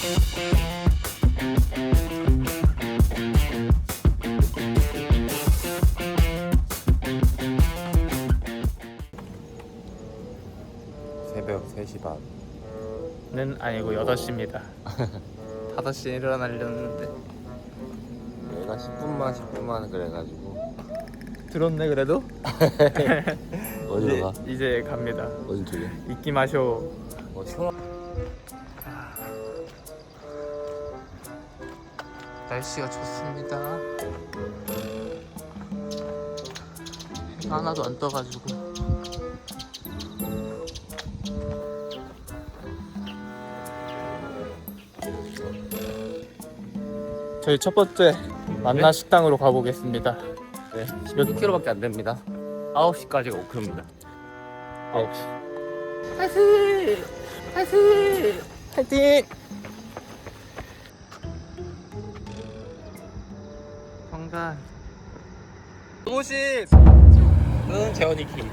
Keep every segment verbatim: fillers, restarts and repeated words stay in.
새벽 세 시 반 는 아니고 여덟 시입니다. 다섯 시에 일어나려는데 얘가 십 분만 십 분만 그래가지고 들었네 그래도? 어디로 가? 이제, 이제 갑니다. 어디 쪽이야? 잊기 마쇼. 어 시원. 날씨가 좋습니다. 해가 하나도 안 떠가지고 저희 첫 번째 만나 네? 식당으로 가보겠습니다. 네. 몇 킬로밖에 안 됩니다. 아홉 시까지가 오 킬로미터입니다. 아홉 시. 파이팅! 파이팅! 파이팅! 성단 오십! 은 재원이 키.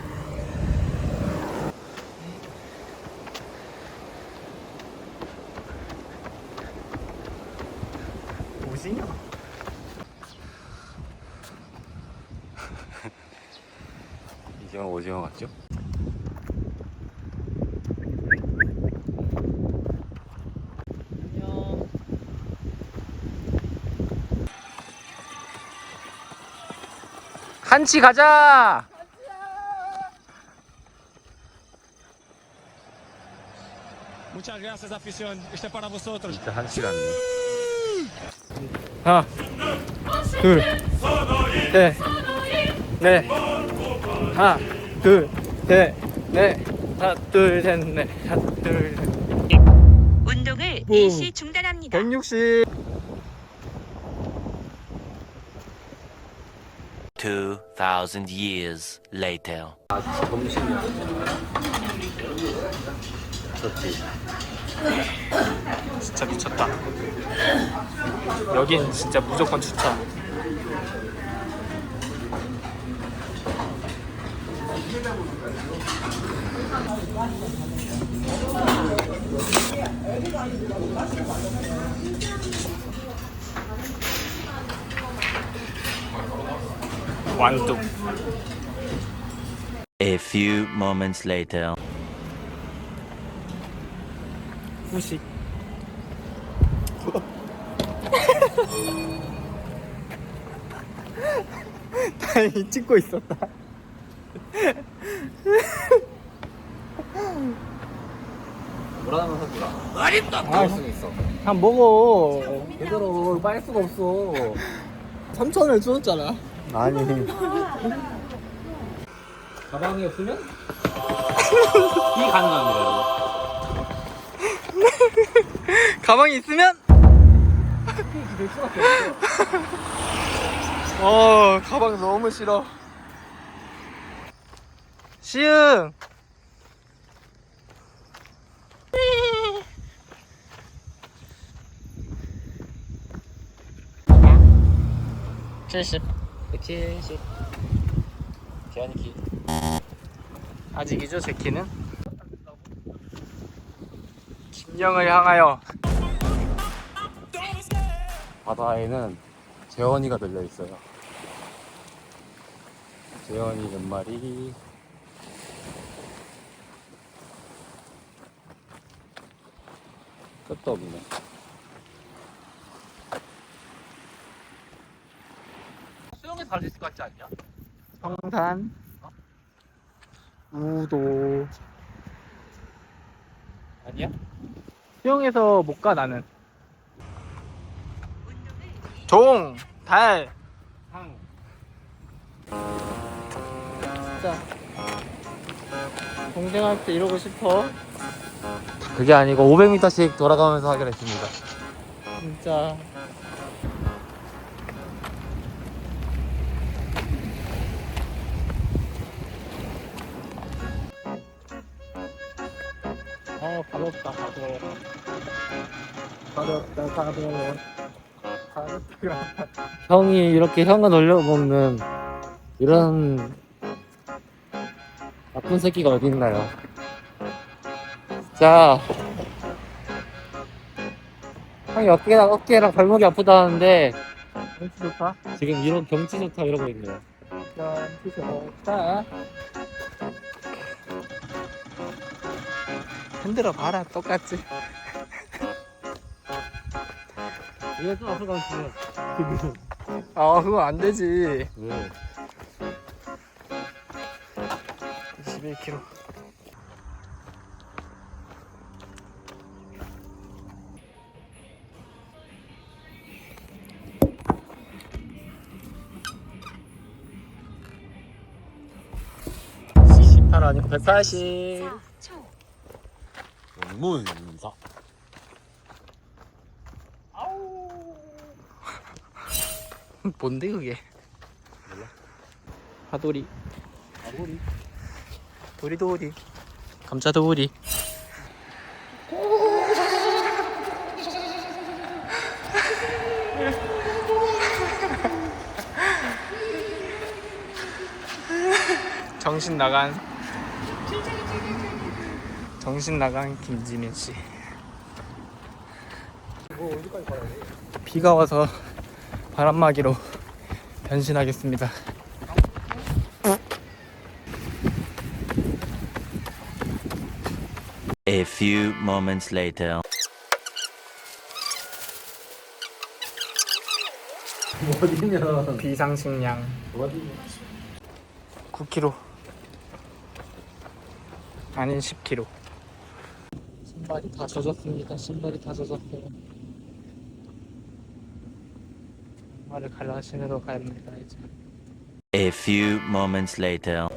오징어? 이게 오징어 같죠? 안녕. 한치 가자! Muchas gracias, afición. Este es para vosotros. 진짜 한 시간네. 하나, 둘, 셋, 넷. 하나, 둘, 셋, 넷. 하나, 둘, 셋, 넷. 하나, 둘, 셋. 운동을 오. 일시 중단합니다. 백육십. Two thousand years later. 점심이야. 좋지. 진짜 미쳤다. 여긴 진짜 무조건 추천. 완뚝. A few moments later. 후식. 다행히 찍고 있었다. 뭐라는 소리야? 먹을 수 있어. 한 먹어. 제대로 빨 수가 없어. 삼천을 주었잖아. 아니. 가방이 없으면 이 가능합니다, 여러분. 가방이 있으면 어 가방 너무 싫어. 시흥 칠십. 백칠십. 재환이 키. 아직이죠 제 키는. 김영을 향하여. 바다에는 재원이가 들려 있어요. 재원이 몇 마리? 끝도 없네. 수영에서 할 수 있을 것 같지 않냐? 성산 우도. 아니야? 수영해서 못 가 나는. 종, 달. 항. 진짜 동생할 때 이러고 싶어. 그게 아니고 오백 미터씩 돌아가면서 하기로 했습니다. 진짜. 어 가볍다 가벼워. 가볍다 가벼워. 가볍다. 형이 이렇게 형을 놀려먹는 이런 나쁜 새끼가 어디 있나요? 자, 형이 어깨랑 어깨랑 발목이 아프다는데 경치 좋다. 지금 이런 경치 좋다 이러고 있네요. 경치 좋다. 흔들어 봐라 똑같지. 이거 좀 앞으로 가면 아 그거 안 되지. 왜? 이십일 킬로미터. 십팔 아니고 백팔십. 문사. 뭔데 그게? 몰라. 파도리. 아구리. 도리도리. 감자도리. 정신 나간 정신 나간 김지민 씨. 비가 와서 바람막이로 변신하겠습니다. A few moments later. 어디냐? 비상식량 어디냐? 구 킬로그램 아닌 십 킬로그램. 신발이 다 젖었습니다. 신발이 다 젖었어요. 신발을 갈아 신으러 갑니다 이제. A few moments later.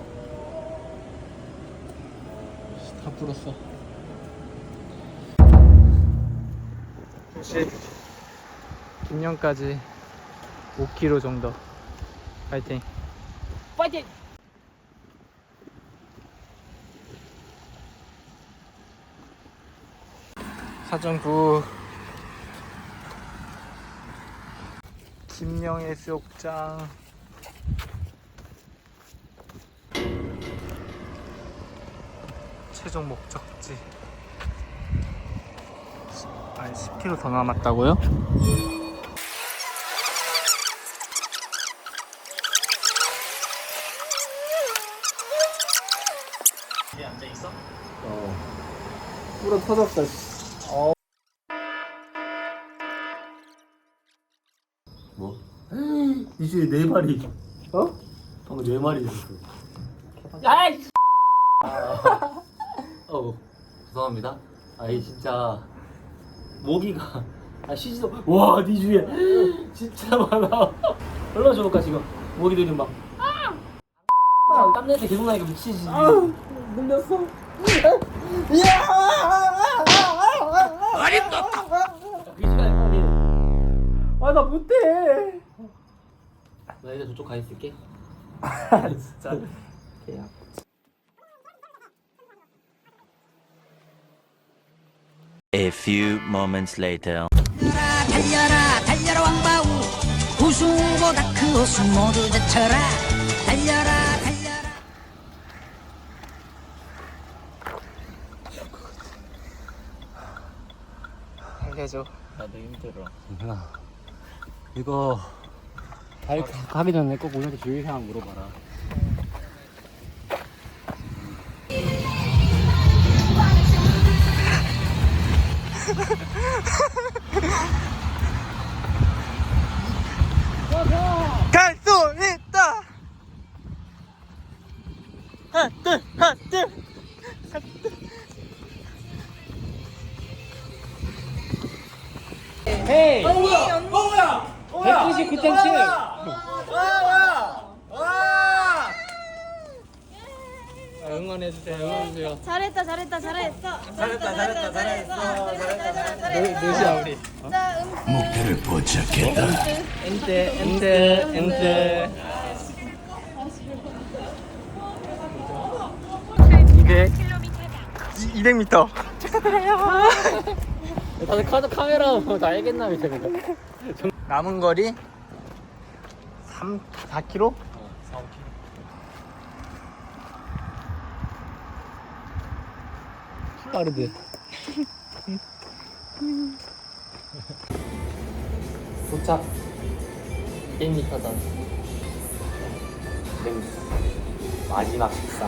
다 불었어. 혹시 김영까지 오 킬로미터 정도. 파이팅. 파이팅. 사정구 김영의 수욕장. 최종 목적지. 아니 십 킬로미터 더 남았다고요? 뒤에 앉아있어? 어. 불어 터졌다. 어. 뭐? 이제 네 마리. 어? 방금 네 마리 됐어. 야이! 어, 죄송합니다. 아이 진짜 모기가 아 쉬지도. 와, 네 주위에 진짜 많아. 얼마나 좋을까 지금 모기들이 막. 아! 땀내서 계속 나니까 미치지. 아, 물렸어. 어림도. 그 시간에 빨리. 아, 나 못해. 나 이제 저쪽 가 있을게. 진짜 개야. A few moments later. 달려라 달려라 왕바우 우승보다 큰 호수 모두 제쳐라 달려라 달려라. 알려줘. 나도 힘들어. 괜찮아. 이거 발 가기 전에 꼭 우리한테 주의사항 물어봐라. 갈 수 있다. 하나 둘 하나 둘. 헤이. 어 뭐야? 어 뭐야? 백구십구 점 칠. 응원해주세요. 응원해주세요. 잘했다 잘했다 잘했어 잘했다 잘했다 잘했어 잘했다 몇이야 우리? 자 음식 엔트 엔트 엔트. 이백 이백 미터. 다들 카드 카메라 다 알겠나 이제. 남은 거리 삼 사 킬로미터? 사, 오 킬로미터. 빠르대. 도착. 백 미터 전. 마지막 식사.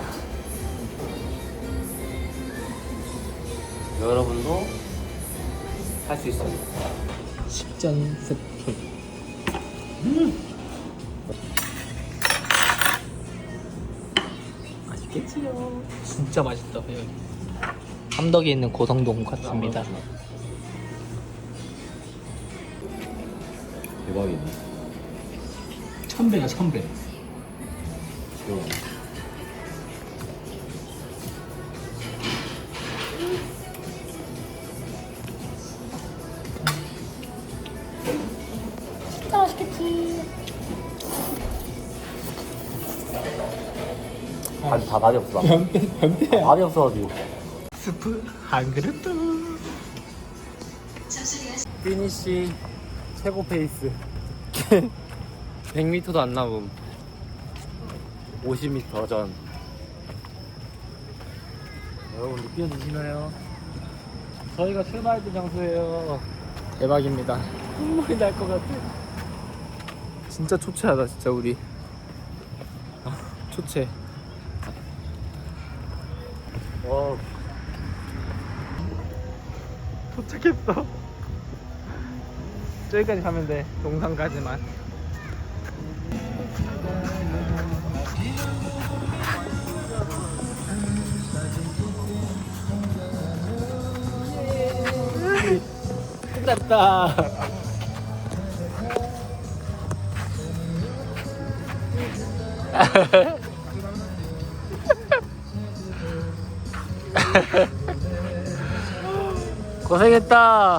여러분도 할 수 있어요. 식전 스프. 맛있겠지요. 진짜 맛있다. 여기. 함덕에 있는 고성동 같습니다. 대박이네. 천배야 천배. 진짜 맛있겠지. 밥, 다 밥이 없어. 밥. 밥이 없어가지고. 스프 한 그릇 더. 피니쉬 최고 페이스. 백 미터도 안 남음. 오십 미터 전. 여러분 느껴지시나요? 저희가 출발했던 장소예요. 대박입니다. 눈물이 날 것 같아. 진짜 초췌하다 진짜 우리. 아, 초췌. 와. 도착했어. 저기까지 가면 돼. 동상까지만. 끝났다. 고생했다.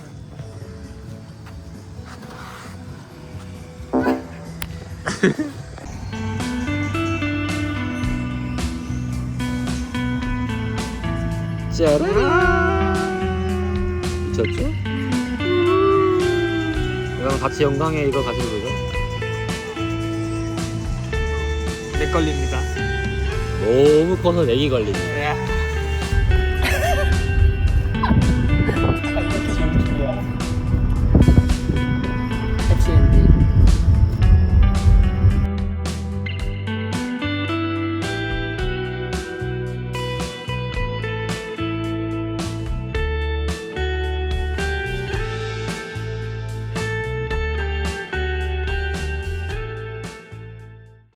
짜란. 미쳤죠? 이거랑 같이 영광에 이거 가지고 보죠. 내 걸립니다. 너무 커서 내기 걸리네. 야.